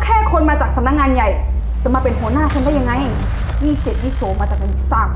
แค่คนมาจากสำนักงานใหญ่จะมาเป็นหัวหน้าฉันได้ยังไงนี่เศษวิโสมาจากไหนสร้าง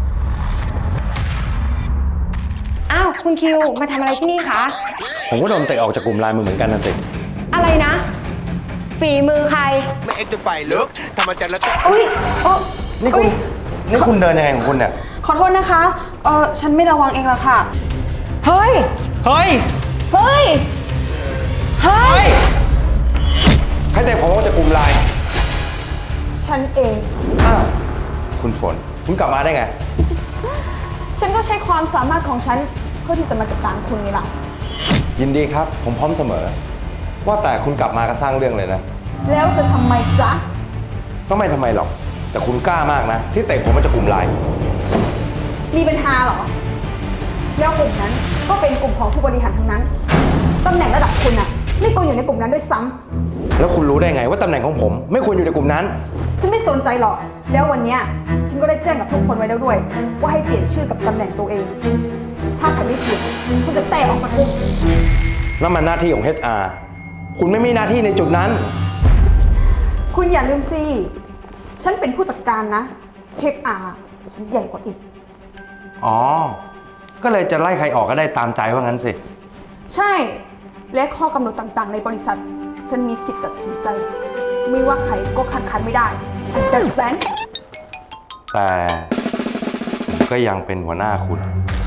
อ้าวคุณคิวมาทำอะไรที่นี่คะผมก็โดนเตะออกจากกลุ่มไลน์มือเหมือนกันนะสิอะไรนะฝีมือใครไม่เอ็กซ์ไฟลึกทำมาจากแล้วอุ้ยนี่คุณเดินยังไงของคุณเนี่ยขอโทษนะคะฉันไม่ระวังเองละค่ะเฮ้ยเฮ้ยเฮ้ยเฮ้ยใครเตะผมออกจากกลุ่มไลน์ฉันเองอ้าวคุณฝนคุณกลับมาได้ไงฉันก็ใช้ความสามารถของฉันเพื่อที่จะมาจัดการคุณนี่แหละยินดีครับผมพร้อมเสมอว่าแต่คุณกลับมาก็สร้างเรื่องเลยนะแล้วจะทำไมจ๊ะก็ไม่ทำไมหรอกแต่คุณกล้ามากนะที่เตะผมมาจากกลุ่มไลน์มีปัญหาเหรอแล้วกลุ่มนั้นก็เป็นกลุ่มของผู้บริหารทั้งนั้นตำแหน่งระดับคุณอะไม่ควรอยู่ในกลุ่มนั้นด้วยซ้ำแล้วคุณรู้ได้ไงว่าตำแหน่งของผมไม่ควรอยู่ในกลุ่มนั้นฉันไม่สนใจหรอกแล้ววันนี้ฉันก็ได้แจ้งกับทุกคนไว้แล้วด้วยว่าให้เปลี่ยนชื่อกับตำแหน่งตัวเองถ้าใครไม่เปลี่ยนฉันจะแตะออกจากกลุ่มนั่นมันหน้าที่ของ HR คุณไม่มีหน้าที่ในจุดนั้นคุณอย่าลืมสิฉันเป็นผู้จัดการนะ HR ฉันใหญ่กว่าอีกอ๋อก็เลยจะไล่ใครออกก็ได้ตามใจว่างั้นสิใช่และข้อกำหนดต่างๆในบริษัทฉันมีสิทธิ์ตัดสินใจไม่ว่าใครก็คัดค้านไม่ได้ understand แต่ผมก็ยังเป็นหัวหน้าคุณ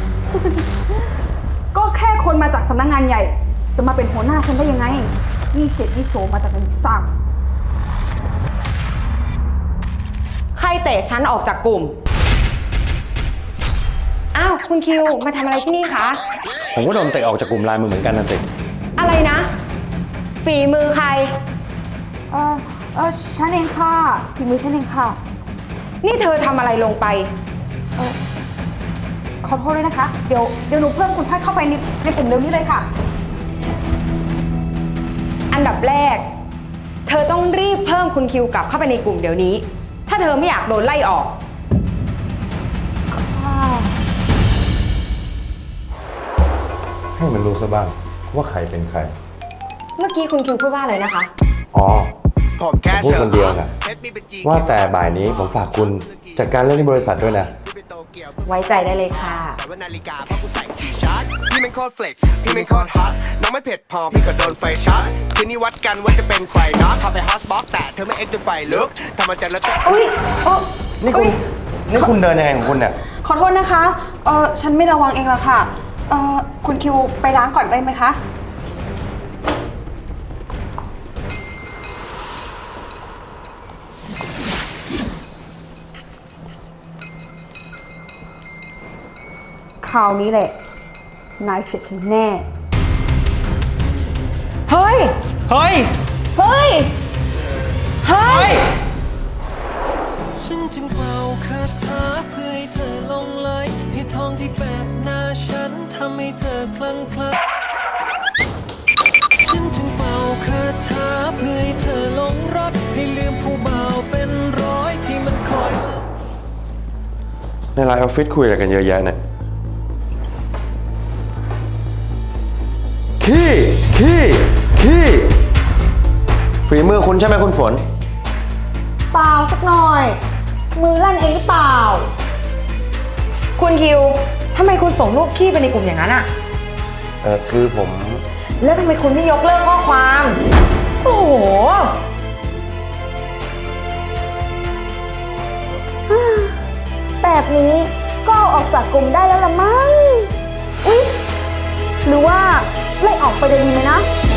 ก็แค่คนมาจากสำนักงานใหญ่จะมาเป็นหัวหน้าฉันได้ยังไงนี่เศษวิโสมาจากไหนสร้างใครเตะฉันออกจากกลุ่มอ้าวคุณคิวมาทำอะไรที่นี่คะผมก็โดนเตะออกจากกลุ่มไลน์มือเหมือนกันนะสิอะไรนะฝีมือใครฉันเองค่ะฝีมือฉันเองค่ะนี่เธอทำอะไรลงไปขอโทษด้วยนะคะเดี๋ยวหนูเพิ่มคุณพัดเข้าไปในกลุ่มเดี๋ยวนี้เลยค่ะอันดับแรกเธอต้องรีบเพิ่มคุณคิวกลับเข้าไปในกลุ่มเดี๋ยวนี้ถ้าเธอไม่อยากโดนไล่ออกให้มันรู้ซะบ้างว่าใครเป็นใครเมื่อกี้คุณคิวพูดว่าอะไรนะคะอ๋อผมแค่พูดคนเดียวนะว่าแต่บ่ายนี้ผมฝากคุณจัดการเรื่องที่บริษัทด้วยนะไว้ใจได้เลยค่ะแต่ว่านาฬิกาเพราะกูใส่ทีชาร์ตพี่ไม่โคตรเฟล็กพี่ไม่โคตรฮอตน้องไม่เผ็ดพอพี่ก็โดนไฟช็อตคืนนี้วัดกันว่าจะเป็นใครเนาะพาไปฮอสบ็อกแต่เธอไม่เอ็กซ์ไฟลึกทำมาจากแล้วนี่คุณเดินยังไงของคุณเนี่ยขอโทษนะคะฉันไม่ระวังเองละค่ะคุณคิวไปล้างก่อนได้ไหมคะคราวนี้แหละนายเสร็จฉันแน่เฮ้ยเฮ้ยเฮ้ยเฮ้ยฉันจึงเป่าคาถาเพื่อให้เธอลงไหลให้ทองที่แปะหน้าฉันทำให้เธอคลั่งไคล้ฉันจึงเป่าคาถาเพื่อให้เธอหลงรักให้ลืมผู้บ่าวเป็นร้อยที่มันคอยในไลน์ออฟฟิศคุยอะไรกันเยอะแยะเนี่ยขี้ฝีมือคุณใช่ไหมคุณฝนเปล่าสักหน่อยมือลั่นเองหรือเปล่าคุณคิวทำไมคุณส่งรูปขี้ไปในกลุ่มอย่างนั้นอะคือผมแล้วทำไมคุณไม่ยกเลิกข้อความโอ้โหแบบนี้ก็ออกจากกลุ่มได้แล้วละมั้งอุ๊ยหรือว่าไล่ออกไปจะดีไหมนะ